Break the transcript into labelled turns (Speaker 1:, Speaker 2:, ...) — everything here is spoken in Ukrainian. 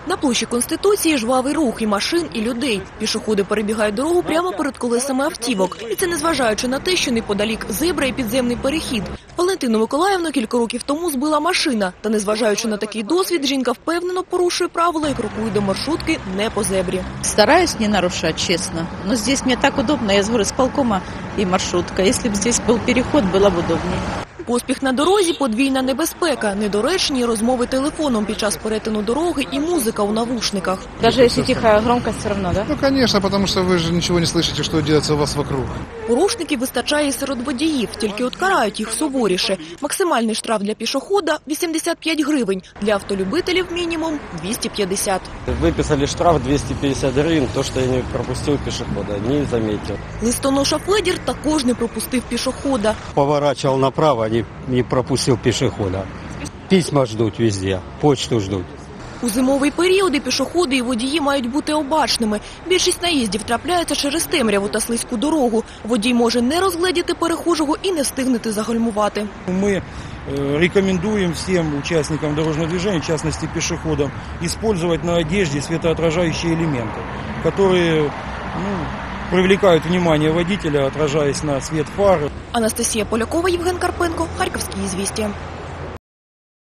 Speaker 1: На площі Конституції жвавий рух і машин, і людей. Пішоходи перебігають дорогу прямо перед колесами автівок. І це незважаючи на те, що неподалік зебра і підземний перехід. Валентину Миколаївну кілька років тому збила машина. Та незважаючи на такий досвід, жінка впевнено порушує правила і крокує до маршрутки не по зебрі.
Speaker 2: Стараюсь не нарушать, честно. Но здесь мне так удобно. Я с горисполкома и маршрутка. Если бы здесь был переход, было бы удобнее.
Speaker 1: Поспіх на дорозі – подвійна небезпека, недоречні розмови телефоном під час перетину дороги і музика у навушниках.
Speaker 2: Даже если тихая громкость, все равно, да?
Speaker 3: Ну, конечно, потому что вы же ничего не слышите, что делается у вас вокруг.
Speaker 1: Порушників вистачає і серед водіїв, тільки от карають їх суворіше. Максимальний штраф для пішохода – 85 гривень, для автолюбителів – мінімум 250.
Speaker 4: Выписали штраф 250 гривен, то, что я не пропустил пешехода, не заметил.
Speaker 1: Листоноша Федір також не пропустив пішохода.
Speaker 5: Поворачивал направо, не пропустил пешехода. Письма ждут везде, почту ждут.
Speaker 1: У зимовий період і пішоходи, і водії мають бути обачними. Більшість наїздів трапляється через темряву та слизьку дорогу. Водій може не розгледіти перехожого і не встигнути загальмувати.
Speaker 6: Мы рекомендуем всем участникам дорожного движения, в частности пешеходам, использовать на одежде светоотражающие элементы, которые привлекают внимание водителя, отражаясь на свет фар.
Speaker 1: Анастасія Полякова, Євген Карпенко, Харківські ізвістія.